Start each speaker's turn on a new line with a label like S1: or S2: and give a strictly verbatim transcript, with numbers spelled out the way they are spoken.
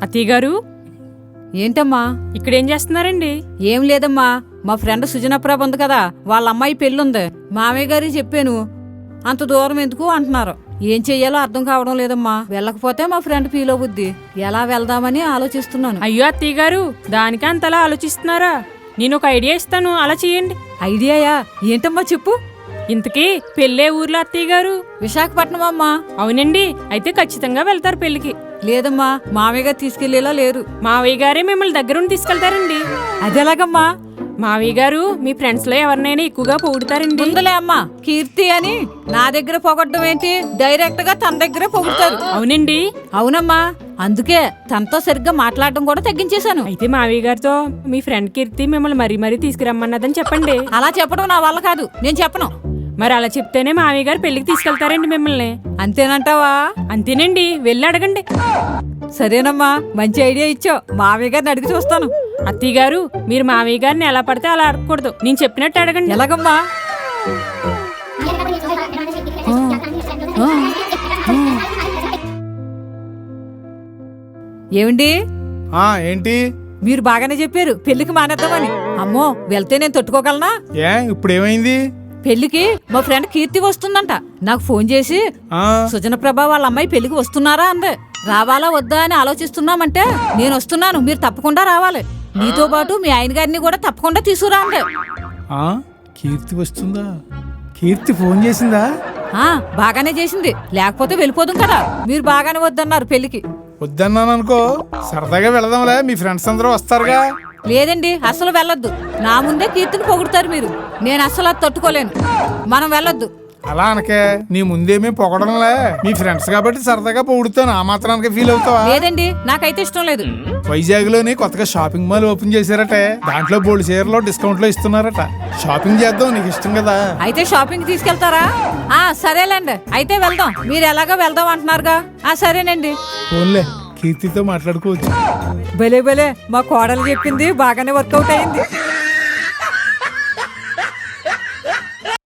S1: అత్తయ్య గారు,
S2: ఏంటమ్మా
S1: ఇక్కడేం చేస్తున్నారండి?
S2: ఏం లేదమ్మా, మా ఫ్రెండ్ సుజనప్రభ ఉంది కదా, వాళ్ళ అమ్మాయి పెళ్ళుంది. మామయ్య గారికి చెప్పాను, అంత దూరం ఎందుకు అంటున్నారు. ఏం చెయ్యాలో అర్థం కావడం లేదమ్మా. వెళ్ళకపోతే మా ఫ్రెండ్ ఫీల్ అవుద్ది. ఎలా వెళ్దామని ఆలోచిస్తున్నాను.
S1: అయ్యో అత్తయ్య గారు, దానికి అంతలా ఆలోచిస్తున్నారా? నేను ఒక ఐడియా ఇస్తాను, అలా చేయండి.
S2: ఐడియాయా? ఏంటమ్మా చెప్పు.
S1: ఇంతకీ పెళ్ళే ఊర్లో అత్తయ్య గారు?
S2: విశాఖపట్నం అమ్మా.
S1: అవునండి, అయితే ఖచ్చితంగా వెళ్తారు పెళ్లికి.
S2: లేదమ్మా, మామయ్య గారు తీసుకెళ్లేలా లేరు.
S1: మావయ్య గారే మిమ్మల్ని దగ్గరుండి తీసుకెళ్తారండి.
S2: అదెలాగమ్మా?
S1: మావయ్య గారు మీ ఫ్రెండ్స్ లో ఎవరినైనా ఎక్కువగా పొగుడుతారండి.
S2: ముందులే అమ్మా, కీర్తి అని నా దగ్గర పొగడ్డం ఏంటి, డైరెక్ట్ గా తన దగ్గర పొగుడుతారు.
S1: అవునండి.
S2: అవునమ్మా, అందుకే తనతో సరిగ్గా మాట్లాడడం కూడా తగ్గించేశాను.
S1: అయితే మావయ్య గారితో మీ ఫ్రెండ్ కీర్తి మిమ్మల్ని మరీ మరీ తీసుకురమ్మన్నదని చెప్పండి.
S2: అలా చెప్పడం నా వల్ల కాదు, నేను చెప్పను.
S1: మరి అలా చెప్తేనే మావయ్య గారు పెళ్లికి తీసుకెళ్తారండి మిమ్మల్ని.
S2: అంతేనంటావా?
S1: అంతేనండి, వెళ్ళి అడగండి.
S2: సరేనమ్మా, మంచి ఐడియా ఇచ్చావు. మామయ్య గారిని అడిగి చూస్తాను.
S1: అత్తయ్య గారు, మీరు మావయ్య గారిని ఎలా పడితే అలా అడగకూడదు, నేను చెప్పినట్టు అడగండి.
S2: ఎలాగమ్మా? ఏమండి?
S3: ఆ ఏంటి?
S2: మీరు బాగానే చెప్పారు, పెళ్లికి మానేద్దామని. అమ్మో, వెళ్తే నేను తట్టుకోగలనా?
S3: ఏ ఇప్పుడు ఏమైంది?
S2: పెళ్లికి మా ఫ్రెండ్ కీర్తి వస్తుందంట. నాకు ఫోన్ చేసి
S3: ఆ
S2: సుజనప్రభ వాళ్ళ అమ్మాయి పెళ్లికి వస్తున్నారా అందే. రావాలా వద్దా అని ఆలోచిస్తున్నామంటే నేను వస్తున్నాను, మీరు తప్పకుండా రావాలి. మీతో పాటు మీ ఆయన గారిని కూడా తప్పకుండా తీసుకురా అందే.
S3: ఆ కీర్తి వస్తుందా? కీర్తి ఫోన్ చేసిందా?
S2: ఆ బాగానే చేసింది, లేకపోతే వెళ్ళిపోదాం కదా. మీరు బాగానే వద్దన్నారు పెళ్లికి.
S3: వద్దన్నాను అనుకో, సరదాగా వెళదాంలే, మీ ఫ్రెండ్స్ అందరూ వస్తారుగా.
S2: లేదండి, అసలు వెళ్ళొద్దు. నా ముందే కీర్తిని పొగుడుతారు మీరు, నేను అసలు అది తట్టుకోలేను. మనం వెళ్ళొద్దు.
S3: అలా అనకే, నీ ముందేమీ పొగడంలే, మీ ఫ్రెండ్స్ కాబట్టి సరదాగా పొగుడుతాను, ఆ మాత్రానికి ఫీల్ అవుతావా?
S2: లేదండి, నాకైతే ఇష్టం లేదు.
S3: వైజాగ్ లోని కొత్తగా షాపింగ్ మాల్ ఓపెన్ చేశారటే, దాంట్లో బోల్డ్ చీరలో డిస్కౌంట్ లో ఇస్తున్నారట. షాపింగ్ చేద్దాం, నీకు ఇష్టం కదా.
S2: అయితే షాపింగ్ తీసుకెళ్తారా? ఆ సరేలేండి, అయితే వెళ్దాం. మీరు ఎలాగో వెళ్దాం అంటున్నారుగా. ఆ సరేనండి.
S3: ఫోన్లే, కీర్తితో మాట్లాడుకోవచ్చు.
S2: భలే భలే, మా కోడలు చెప్పింది బాగానే వర్కౌట్ అయింది.